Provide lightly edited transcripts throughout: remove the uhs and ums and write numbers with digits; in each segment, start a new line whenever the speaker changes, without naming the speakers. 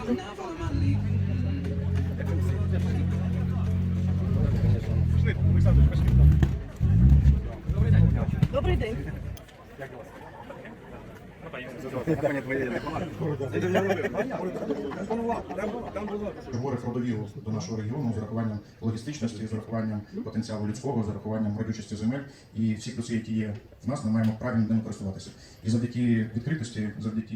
Добрий день.
Говорить родовіру до нашого регіону з урахуванням логістичності, з урахуванням потенціалу людського, з урахуванням родючості земель і всі плюси, які є в нас, ми маємо правильно ними користуватися. І завдяки відкритості, завдяки...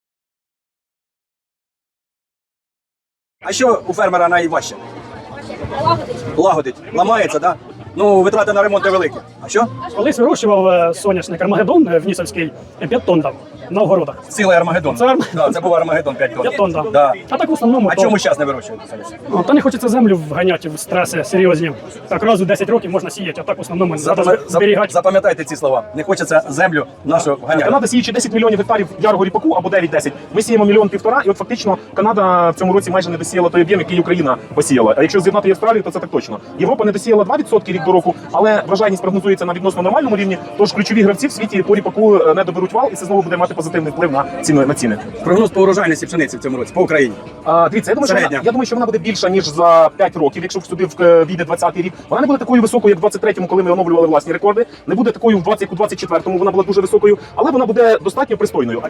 А що у фермера найважче?
Лагодить.
Лагодить. Ламається, так? Да? Ну, витрати на ремонт великі. А що?
Колись вирощував соняшник Армагеддон в Нісовській, 5 тонн дав на огородах.
Цілий Армагеддон.
Це
Це був Армагеддон 5 тонн.
5 тонн дав.
Да.
А так в основному...
А чому зараз не вирощуєте?
Та не хочеться землю вганяти в стреси серйозні. Так раз у 10 років можна сіяти, а так в основному треба зберігати.
Запам'ятайте ці слова. Не хочеться землю нашу ганяти.
Канада, сіючи 10 мільйонів гектарів ярого ріпаку або 9-10, ми сіємо 1,5 мільйона, і от фактично Канада в цьому році майже не досіяла той об'єм, який Україна посіяла. А якщо з'єднати і Австралію, то це так точно. Європа не досіяла 2% рік до року, але врожайність прогнозується на відносно нормальному рівні, тож ключові гравці в світі по ріпаку не доберуть вал, і це знову буде мати позитивний вплив на ціни.
Прогноз по урожайності пшениці в цьому році по Україні.
Дивіться, я думаю, що вона буде більша, ніж за 5 років, якщо сюди війде 20-й рік. Вона не буде такою високою, як в 23-му, коли ми оновлювали власні рекорди. Не буде такою в 20, як у 24-му, вона була дуже високою, але вона буде достатньо пристойною.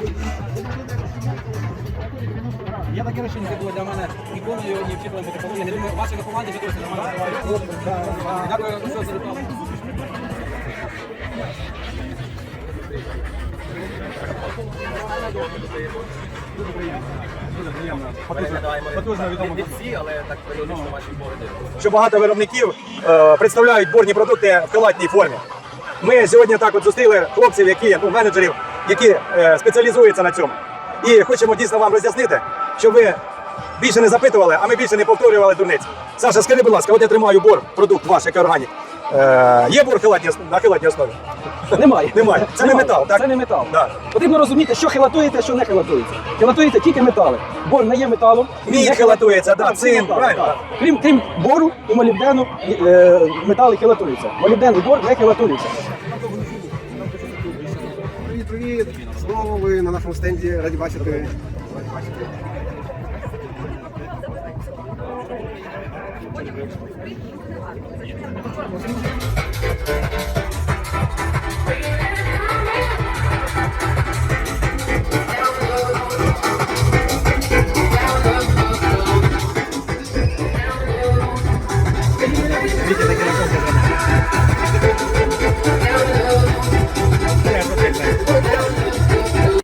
Я таке рішення було для мене ніколи його не вчитували бути повинні. Я думаю, ваші команді вже досі нормально. Дякую, що за рекламу.
Що багато виробників представляють борні продукти в халатній формі. Ми сьогодні так от зустріли хлопців, менеджерів, які спеціалізуються на цьому. І хочемо дійсно вам роз'яснити, щоб ви більше не запитували, а ми більше не повторювали дурниць. Саша, скажи, будь ласка, от я тримаю бор, продукт ваш, як органік. Є бор на халатній основі?
Немає.
Немає. Це не метал, так?
Це не метал.
Да.
Потрібно розуміти, що хилатується, що не хилатується. Хилатується тільки метали. Бор не є металом.
Мідь хилатується, да, цинк, правильно.
Крім бору і молібдену, метали хилатуються. Молібден і бор не хилатуються.
Привіт! Знову ви на нашому стенді, раді бачити.
Thank you.